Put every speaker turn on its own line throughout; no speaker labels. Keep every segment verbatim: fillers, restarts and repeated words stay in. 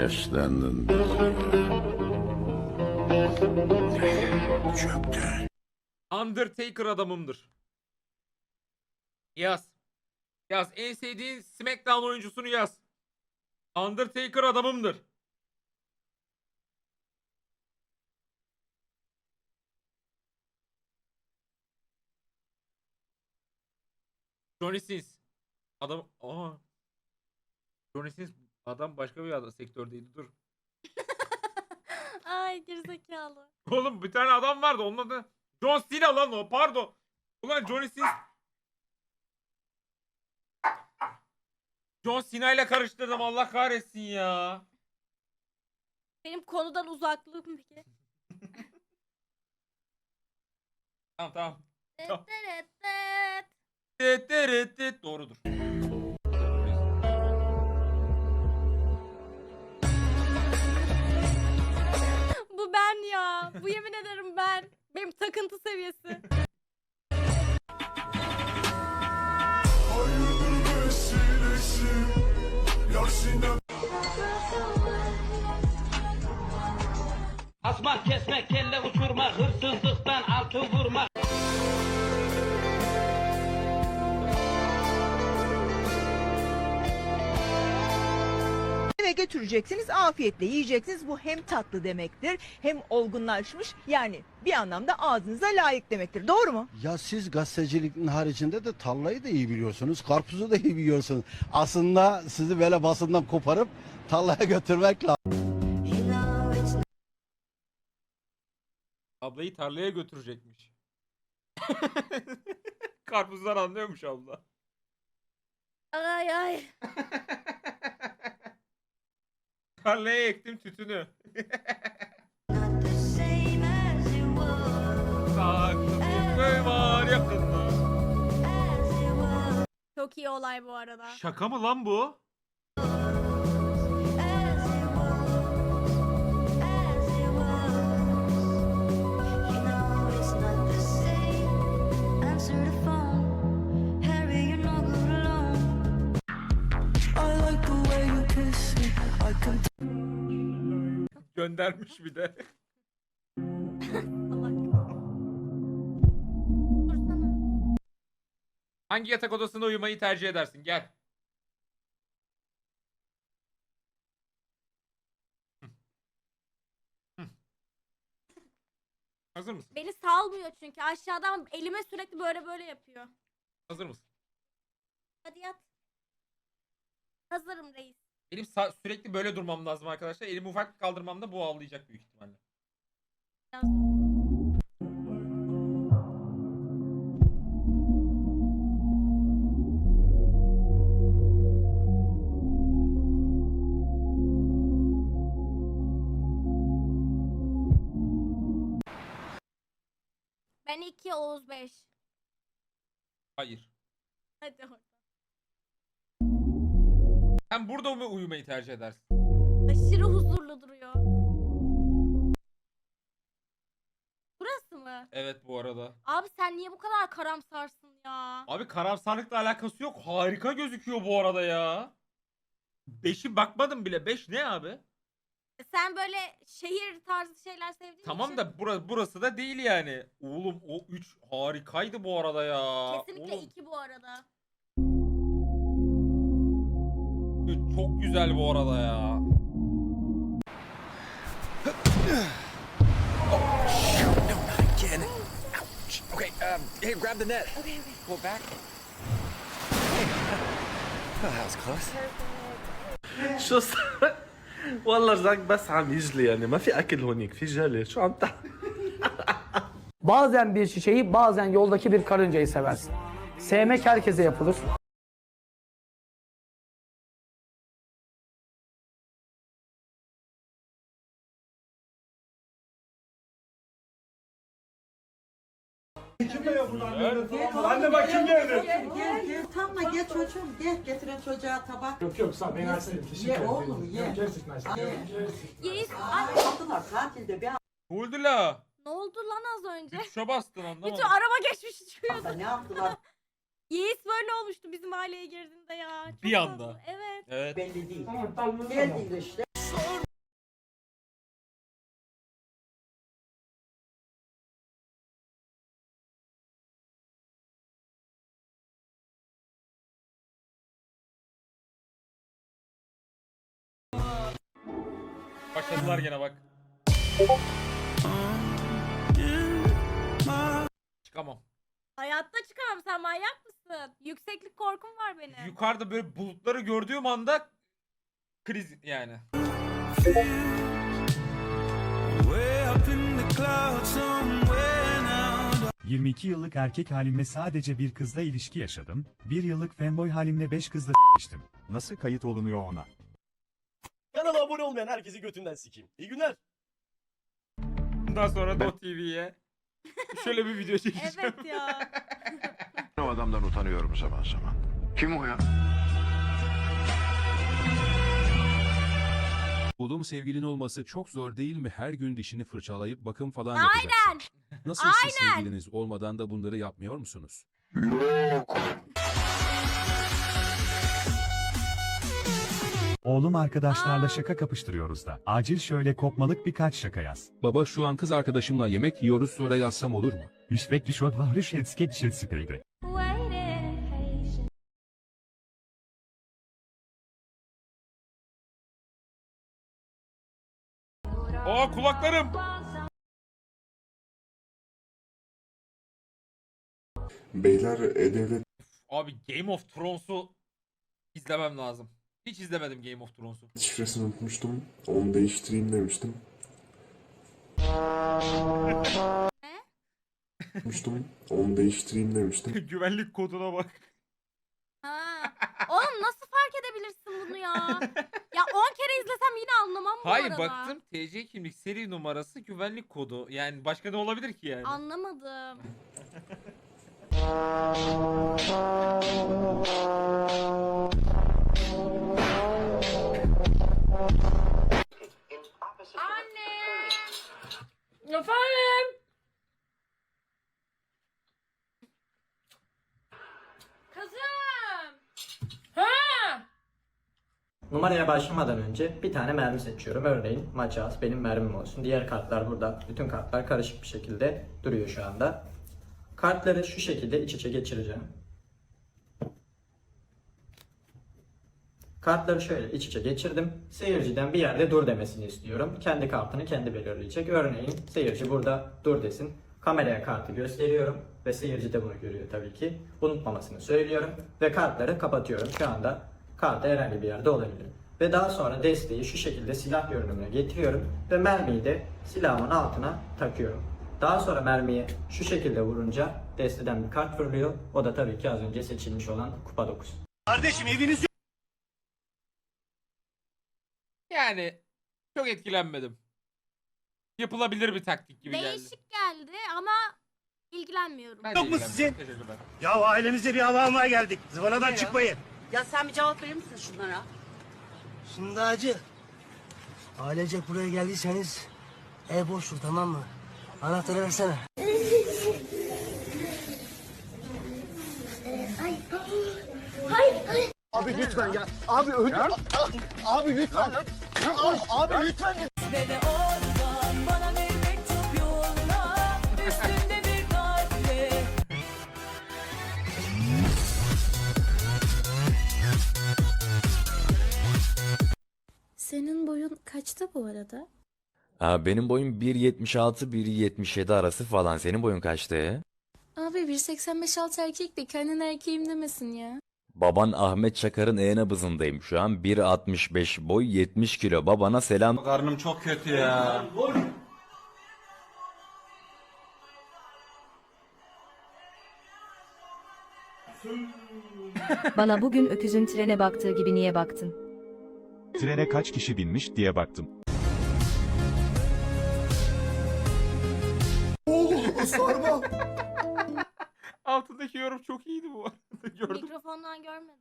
Yaşlandın. Çöktün.
Undertaker adamımdır. Yaz. Yaz. En sevdiğin SmackDown oyuncusunu yaz. Undertaker adamımdır. Johnny Sins. Adam... Aa. Johnny Sins adam başka bir adam sektördeydi. Dur.
Ay gerizekalı.
Oğlum bir tane adam vardı. Onun adı John Cena lan o. Pardon. Ulan Johnny Sins. John Cena ile karıştırdım. Allah kahretsin ya.
Benim konudan uzaklığım peki.
Tamam tamam. Tamam.
Tet tet.
Tet tet tet. Doğrudur.
Bu ben ya. Bu yemin ederim ben. Benim takıntı seviyesi.
Asmak, kesmek, kelle uçurmak, hırsızlıktan altın vurmak.
Eve götüreceksiniz, afiyetle yiyeceksiniz. Bu hem tatlı demektir, hem olgunlaşmış, yani bir anlamda ağzınıza layık demektir. Doğru mu?
Ya siz gazeteciliğin haricinde de tarlayı da iyi biliyorsunuz, karpuzu da iyi biliyorsunuz. Aslında sizi böyle basından koparıp tarlaya götürmek lazım.
Ablayı tarlaya götürecekmiş. Karpuzdan anlıyormuş abla.
Ay ay.
Tarlaya ektim tütünü. Saklı var yakında.
Çok iyi olay bu arada.
Şaka mı lan bu? Göndermiş bir de.
Dursana.
Hangi yatak odasında uyumayı tercih edersin? Gel. Hı. Hı. Hazır mısın?
Beni salmıyor çünkü aşağıdan elime sürekli böyle böyle yapıyor.
Hazır mısın?
Hadi yat. Hazırım reis.
Benim sa- sürekli böyle durmam lazım arkadaşlar. Elimi ufak kaldırmamda bu ağlayacak büyük ihtimalle.
Biraz dur. Ben iki, Oğuz beş.
Hayır.
Hadi oradan.
Sen burada mı uyumayı tercih edersin?
Aşırı huzurlu duruyor. Burası mı?
Evet bu arada.
Abi sen niye bu kadar karamsarsın ya?
Abi karamsarlıkla alakası yok. Harika gözüküyor bu arada ya. Beşi bakmadım bile. Beş ne abi?
Sen böyle şehir tarzı şeyler sevdiğin
Tamam
için
da burası, burası da değil yani. Oğlum o üç harikaydı bu arada ya.
kesinlikle
Oğlum,
iki bu arada.
üç çok güzel bu arada ya.
Okay, um, hey, grab the net.
Okay, okay.
Pull it back. Oh, that was close.
شو صار؟ والله رزاق بس عم يجلي يعني ما في اكل هونيك في جلي شو عم تعمل؟
Bazen bir çiçeği, bazen yoldaki bir karıncayı seversin. Sevmek herkese yapılır.
Anne bak kim geldi?
Gel gel gel tamam gel çocuğum gel getirin çocuğa tabak.
Yok yok sağ ben açayım.
Ye oğlum ye.
Gerçekten
Ye.
Yeis, ay,
Aldılar tatilde bir
Ne oldu la?
ne oldu lan az önce?
Bir tuşa bastın anlamadım.
Bütün araba geçmiş çıkıyordu.
hafta ne yaptılar
Yeis böyle olmuştu bizim aileye girdiğinde ya. Çok
Bir anda.
tatlı. Evet.
Evet.
belli değil.
Tamam tamam.
Geldiler işte.
Başladılar gene bak. Çıkamam.
Hayatta çıkamam, sen manyak mısın? Yükseklik korkum var benim.
Yukarıda böyle bulutları gördüğüm anda kriz yani.
yirmi iki yıllık erkek halimle sadece bir kızla ilişki yaşadım. bir yıllık fanboy halimle beş kızla s**miştim. Nasıl kayıt olunuyor ona?
Kanala abone olmayan herkesi götünden sikeyim. İyi günler.
Bundan sonra Do T V'ye şöyle bir video çekeceğim.
Evet ya.
O adamdan utanıyorum zaman zaman. Kim o ya?
Oğlum sevgilin olması çok zor değil mi? Her gün dişini fırçalayıp bakım falan
Aynen.
Nasıl siz sevgiliniz olmadan da bunları yapmıyor musunuz? Oğlum arkadaşlarla şaka kapıştırıyoruz da. Acil şöyle kopmalık birkaç şaka yaz. Baba şu an kız arkadaşımla yemek yiyoruz, sonra yazsam olur mu? Üstvekli şot var, rüşetske dişetskeydi.
Aa kulaklarım.
Beyler E-Devlet
Abi Game of Thrones'u izlemem lazım. Hiç izlemedim Game of Thrones'u.
şifresini unutmuştum. Onu değiştireyim demiştim. Unutmuştum. Onu değiştireyim demiştim.
Güvenlik koduna bak.
Ha. Oğlum nasıl fark edebilirsin bunu ya? Ya on kere izlesem yine anlamam bu
Hayır
arada.
baktım T C kimlik seri numarası güvenlik kodu. Yani başka ne olabilir ki yani?
Anlamadım. Anne. Efendim. Kızım. Ha.
Numaraya başlamadan önce bir tane mermi seçiyorum. Örneğin maçaz benim mermim olsun. Diğer kartlar burada. Bütün kartlar karışık bir şekilde duruyor şu anda. Kartları şu şekilde iç içe geçireceğim. Kartları şöyle iç içe geçirdim. Seyirciden bir yerde dur demesini istiyorum. Kendi kartını kendi belirleyecek. Örneğin seyirci burada dur desin. Kameraya kartı gösteriyorum ve seyirci de bunu görüyor tabii ki. Unutmamasını söylüyorum ve kartları kapatıyorum. Şu anda kartı herhangi bir yerde olabilir. Ve daha sonra desteği şu şekilde silah görünümüne getiriyorum ve mermiyi de silahımın altına takıyorum. Daha sonra mermiyi şu şekilde vurunca desteden bir kart fırlıyor. O da tabii ki az önce seçilmiş olan kupa dokuz.
Kardeşim eviniz
Yani çok etkilenmedim. Yapılabilir bir taktik gibi geldi.
Değişik geldi ama ilgilenmiyorum.
Ben de
Yok mu
ilgilenmedim.
sizin?
Teşekkürler.
Ya ailemize bir hava almaya geldik. Zıvanadan çıkmayın.
Ya sen bir cevap verir misin şunlara?
Şimdi acı. Ailecek buraya geldiyseniz ev boştur, tamam mı? Anahtarı versene. Abi lütfen ya. Abi öldü. Abi lütfen. Abi, abi lütfen.
Bebe oradan bana bir mektup yolla. Üstünde bir kalple.
Senin boyun kaçta bu arada?
Aa, benim boyum bir yetmiş altı bir yetmiş yedi arası falan. Senin boyun kaçtı ya?
Abi bir seksen beş alt erkek de kendin erkeğim demesin ya.
Baban Ahmet Çakar'ın e-nabızındayım şu an. bir altmış beş boy, yetmiş kilo. Babana selam.
Karnım çok kötü ya.
Bana bugün öküzün trene baktığı gibi niye baktın?
Trene kaç kişi binmiş diye baktım.
Altındaki yorum çok iyiydi bu arada. Gördüm.
Mikrofondan görmedim.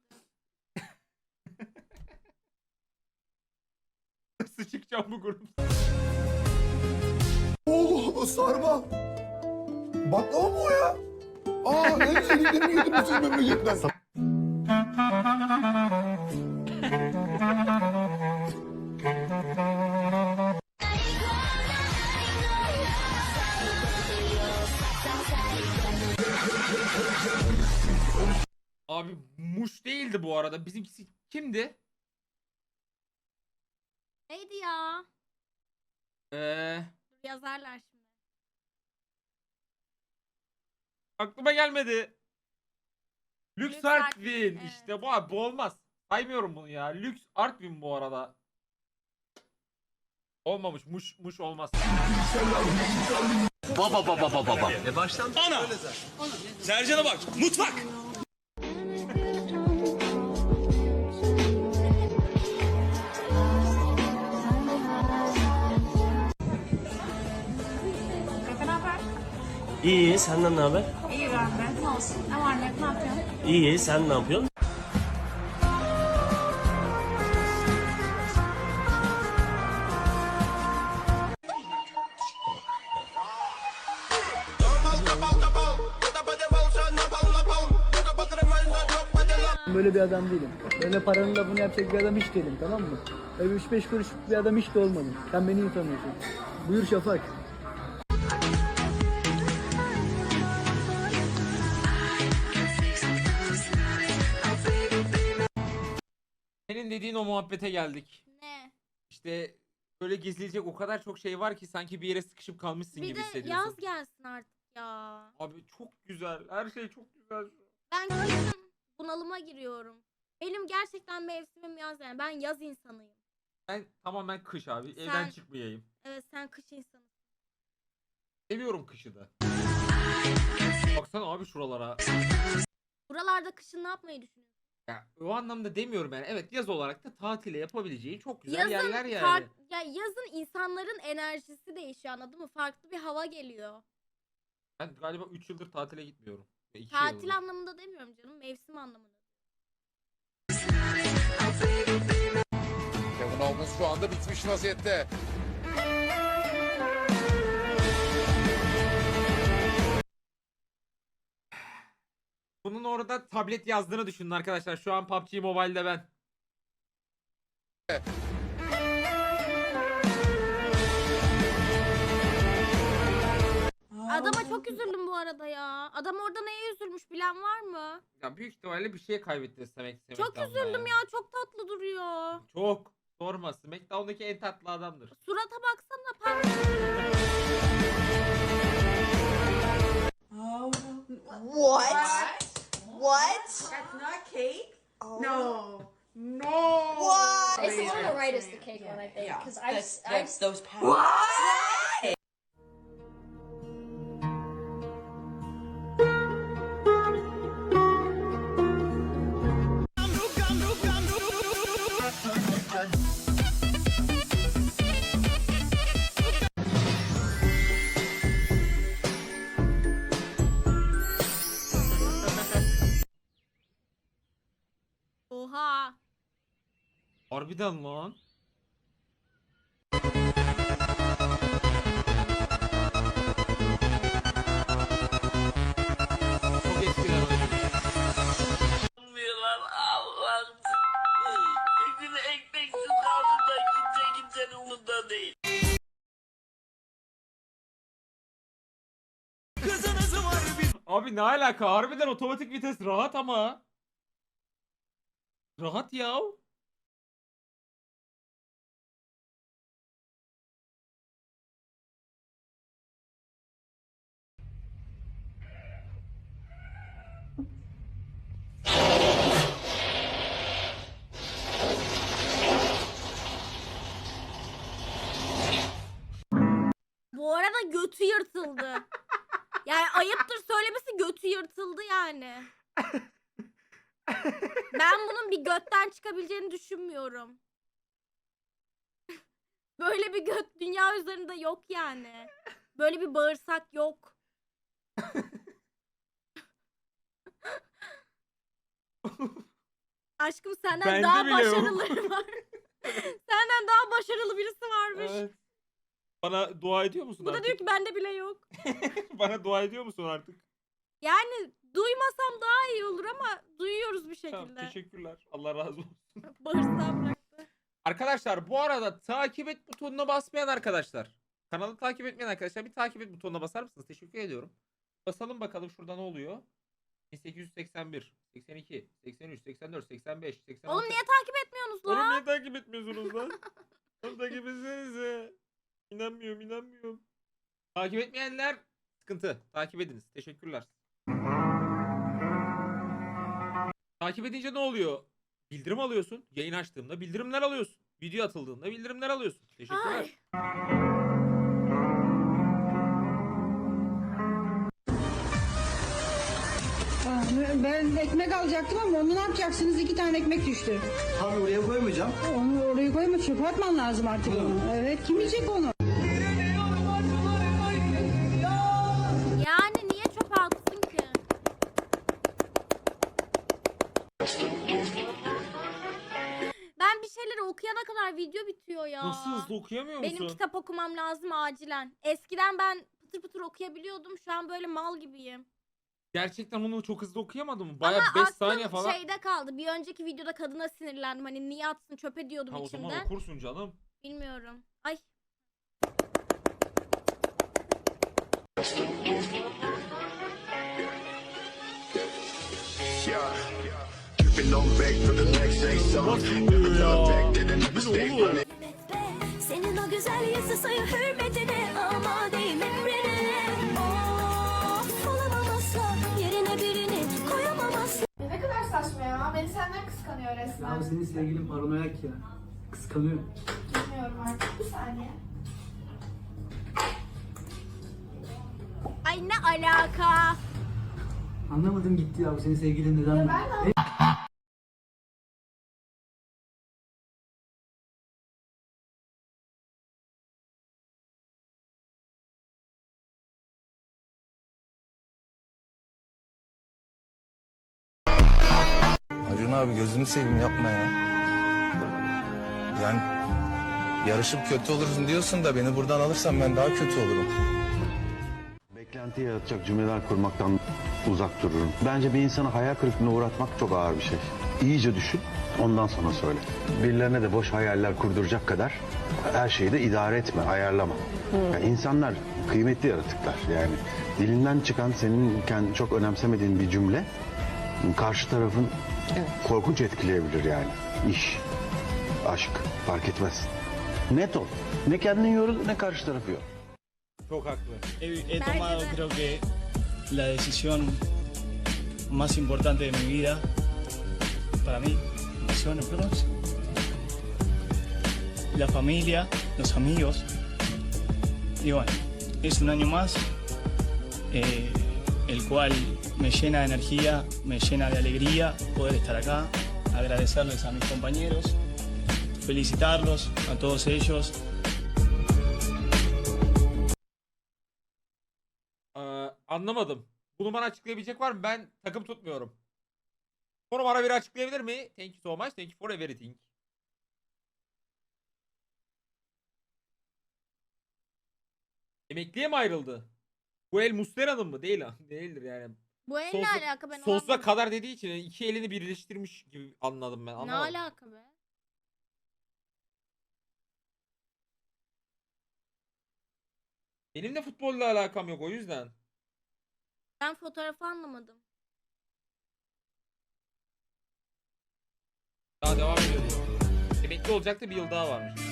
Nasıl çıkacağım bu grup?
Oo, sarma. Baklava mı o ya? Aa, en sevdiklerimi yedim bu sizin memleketten.
Abi Muş değildi bu arada. Bizimkisi kimdi?
Neydi ya?
Ee,
Yazarlar şimdi.
aklıma gelmedi. Lüks
Lüks
Artvin.
Artvin, evet.
İşte bu abi, bu olmaz. Saymıyorum bunu ya. Lüks Artvin bu arada. Olmamış. Muş, muş olmaz.
Baba baba baba baba. E baştan ana. Sercan'a bak. Mutfak.
İyi, senden ne haber?
İyi ben de. Ne olsun? Ne var ne yok, ne yapıyorsun?
İyi, sen ne yapıyorsun?
Böyle bir adam değilim. Böyle paranın lafını yapacak bir adam hiç değilim, tamam mı? Böyle üç beş kuruş bir adam hiç de olmadım. Sen beni iyi tanıyorsun. Buyur Şafak.
Senin dediğin o muhabbete geldik.
Ne?
İşte böyle gezilecek o kadar çok şey var ki sanki bir yere sıkışıp kalmışsın
Bir
gibi
de
hissediyorsun.
yaz gelsin artık ya.
Abi çok güzel. Her şey çok güzel.
Ben kışın bunalıma giriyorum. Benim gerçekten mevsimim yaz yani. Ben yaz insanıyım.
Ben tamamen kış abi.
Sen-
Evden çıkmayayım.
Evet sen kış insanısın.
Seviyorum kışı da. Baksana abi şuralara.
Buralarda kışın ne yapmayı düşünüyorsun?
Ya o anlamda demiyorum yani. Evet, yaz olarak da tatile yapabileceği çok güzel
Yazın
yerler yani.
fark- ya yazın insanların enerjisi değişiyor, anladın mı? Farklı bir hava geliyor.
Ben galiba üç yıldır tatile gitmiyorum. iki
Tatil
yıldır.
anlamında demiyorum canım. Mevsim anlamında.
Kevin Owens şu anda bitmiş vaziyette.
Bunun orada tablet yazdığını düşünün arkadaşlar. Şu an P U B G Mobile'de ben.
Adama çok üzüldüm bu arada ya. Adam orada neye üzülmüş bilen var mı?
Ya büyük ihtimalle bir şey kaybetti Smack
Çok
SmackDown'da
üzüldüm ya. Çok tatlı duruyor.
Çok. Sorma. SmackDown'daki en tatlı adamdır.
Surata baksana pembe.
What? What? That's not cake? No. No. What?
It's the one on the right is the cake one, I think. Because I, I,
those patterns. What?
Oha.
Harbiden lan. Çok eskiler oynadı.
Allah'ım. Bir gün ekmeksiz kaldım da kimse kimsenin umurunda değil.
Abi ne alaka? Harbiden otomatik vites rahat ama. Rahat ya.
Bu arada götü yırtıldı. Yani ayıptır söylemesi, götü yırtıldı yani. Ben bunun bir götten çıkabileceğini düşünmüyorum. Böyle bir göt dünya üzerinde yok yani. Böyle bir bağırsak yok. Aşkım senden
Bende
daha
bile yok.
başarılıları var. Senden daha başarılı birisi varmış.
Evet. Bana dua ediyor musun
Bu da
artık?
diyor ki bende bile yok.
Bana dua ediyor musun artık?
Yani duymasam daha iyi olur ama duyuyoruz bir
Tamam,
şekilde.
teşekkürler. Allah razı olsun.
Bağırsağı bıraktı.
Arkadaşlar bu arada takip et butonuna basmayan arkadaşlar. Kanalı takip etmeyen arkadaşlar bir takip et butonuna basar mısınız? Teşekkür ediyorum. Basalım bakalım şurada ne oluyor? bin sekiz yüz seksen bir, seksen iki, seksen üç, seksen dört, seksen beş, seksen altı.
Oğlum niye takip etmiyorsunuz
Oğlum
lan?
niye takip etmiyorsunuz lan? Oğlum takip etsenize. inanmıyorum inanmıyorum. Takip etmeyenler sıkıntı. Takip ediniz. Teşekkürler. Takip edince ne oluyor? Bildirim alıyorsun. Yayın açtığımda bildirimler alıyorsun. Video atıldığında bildirimler alıyorsun. Teşekkürler.
Ay.
Ben ekmek alacaktım ama onu ne yapacaksınız? İki tane ekmek düştü.
Abi oraya koymayacağım.
Onu oraya koyma, çöpe atman lazım artık onu. Evet, kim yiyecek onu?
Yani niye çöpe atsın ki? Ben bir şeyleri okuyana kadar video bitiyor ya.
Nasıl hızlı okuyamıyor musun?
Benim kitap okumam lazım acilen. Eskiden ben pıtır pıtır okuyabiliyordum. Şu an böyle mal gibiyim.
Gerçekten onu çok hızlı okuyamadım mı? Baya
Ama
beş
aklım
saniye falan.
şeyde kaldı. Bir önceki videoda kadına sinirlendim. Hani niye atsın çöpe diyordum
Ha, o zaman
içimden.
okursun canım.
Bilmiyorum. Ay.
Senin o güzel yüzü sayı hürmetine ama değil emrine. Of, olamam asla yerine birini koyamam asla.
Ne kadar saçma ya. Beni senden kıskanıyor resmen.
Ya senin sevgilin paranoyak ya. Kıskanıyor.
Bilmiyorum artık. Bir saniye. Ay ne alaka?
Anlamadım gitti ya. Bu senin sevgilin neden?
ben
Acun abi gözünü seveyim yapma ya. Yani yarışıp kötü olursun diyorsun da beni buradan alırsan ben daha kötü olurum.
Beklenti yaratacak cümleler kurmaktan uzak dururum. Bence bir insanı hayal kırıklığına uğratmak çok ağır bir şey. İyice düşün, ondan sonra söyle. Birilerine de boş hayaller kurduracak kadar her şeyi de idare etme, ayarlama. Yani insanlar kıymetli yaratıklar. Yani dilinden çıkan senin kendi çok önemsemediğin bir cümle karşı tarafın korkunç etkileyebilir yani. İş, aşk fark etmez. Net ol. Ne kendini yorul ne karşı tarafı yor.
Çok haklı.
He, he
tomado,
tomado creo que la decisión más importante de mi vida para mí son los próximos. La familia, los amigos. Y bueno, es un año más, eh, el cual me llena de energía, me llena de alegría poder estar acá, agradecerles a mis compañeros, felicitarlos a todos ellos.
Ee, anlamadım. Bunu bana açıklayabilecek var mı? Ben takım tutmuyorum. Bunu bana biri açıklayabilir mi? Thank you so much. Thank you for everything. Emekliye mi ayrıldı? Bu el Muslera'nın mı? Değil ha. Değildir yani.
Bu el ne
Sonsuza-
alaka ben
Sonsuza
anlamadım.
kadar dediği için iki elini birleştirmiş gibi anladım ben.
Ne
Anlamadım.
alaka be?
Benim de futbolla alakam yok o yüzden.
Ben fotoğrafı anlamadım.
Daha devam ediyor diyor. Emekli olacaktı, bir yıl daha varmış.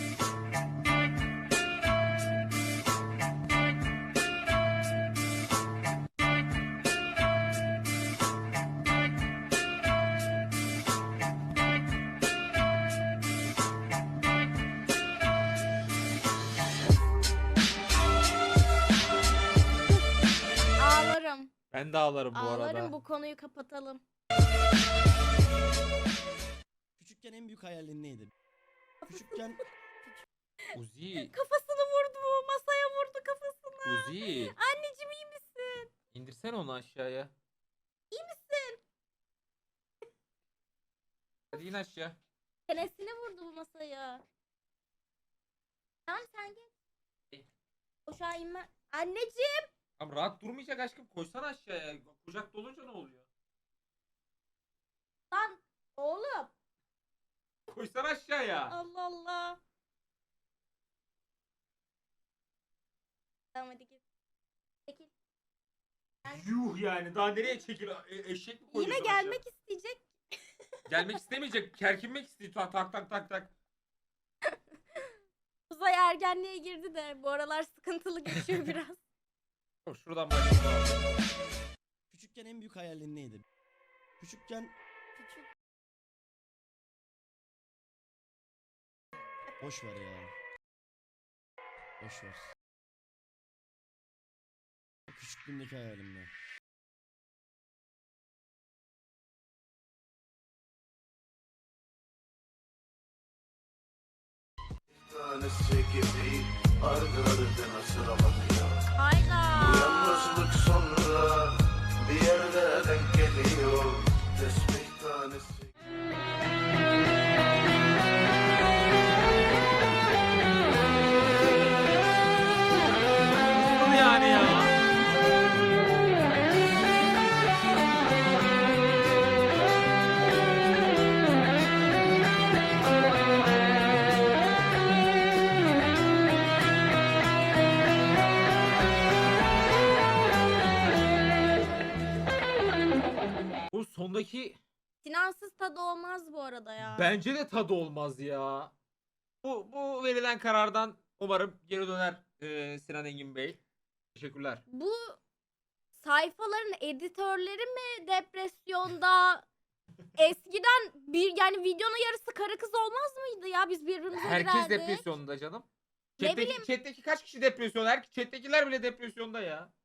Ağlarım.
Ben de ağlarım bu
Ağlarım,
arada.
bu konuyu kapatalım.
Küçükken en büyük hayalin neydi? Küçükken
Uzi,
Kafasını vurdu bu. Masaya vurdu kafasını.
Uzi.
Anneciğim iyi misin?
İndirsene onu aşağıya.
İyi misin?
Hadi in aşağı.
Çenesine vurdu bu masaya. Tamam sen geç. Aşağı inme. Anneciğim.
Tamam rahat durmayacak aşkım. Koysana aşağıya. Kucak dolunca ne oluyor?
Lan oğlum.
Koysana aşağıya.
Allah Allah. Tamam hadi git. Çekil.
Yuh yani daha nereye çekil? E- eşek mi koyuyorsun
Yine
aşağı?
gelmek isteyecek.
Gelmek istemeyecek. Kerkinmek istiyor. Tak tak tak tak tak.
Uzay ergenliğe girdi de bu aralar sıkıntılı geçiyor biraz.
Dur, şuradan başlayalım.
Küçükken en büyük hayalin neydi? Küçükken
Küçük.
boş ver ya. Boş ver. Küçüklüğümdeki hayalimde.
Tanesi gibi ardı ardına sıralanıyor.
Hayda.
Yalnızlık sonra bir yerde denk geliyor. Tesbih tanesi.
Nasıl yani ya? Bu sondaki
Sinansız tadı olmaz bu arada ya.
bence de tadı olmaz ya. Bu bu verilen karardan umarım geri döner e, Sinan Engin Bey. Teşekkürler.
Bu sayfaların editörleri mi depresyonda? Eskiden bir yani videonun yarısı karı kız olmaz mıydı ya? Biz birbirimize
Herkes
girerdik.
depresyonda canım.
Ne
Chat'teki,
bileyim.
chat'teki kaç kişi depresyon? Her chat'tekiler bile depresyonda ya.